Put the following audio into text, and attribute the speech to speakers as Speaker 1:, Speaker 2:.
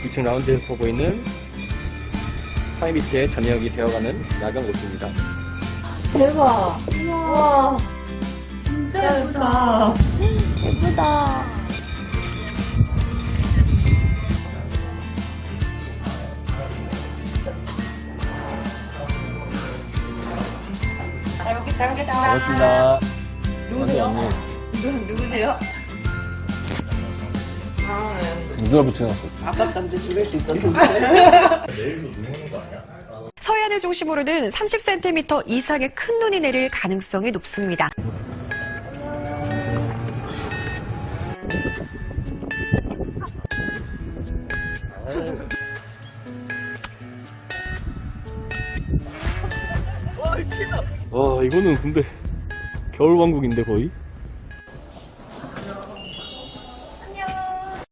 Speaker 1: 2층 라운지에서 보이는 파이비치의 저녁이 되어가는 야경 모습입니다.
Speaker 2: 대박. 우와. 진짜 예쁘다. 예쁘다.
Speaker 3: 잘 먹겠습니다.
Speaker 1: 반갑습니다.
Speaker 3: 누구세요? 누구세요? 아, 네.
Speaker 1: 누가 붙여놨어?
Speaker 3: 아깝던데 죽일 수 있었는데.
Speaker 4: 서해안을 중심으로는 30cm 이상의 큰 눈이 내릴 가능성이 높습니다.
Speaker 1: 와, 이거는 근데 겨울왕국인데 거의?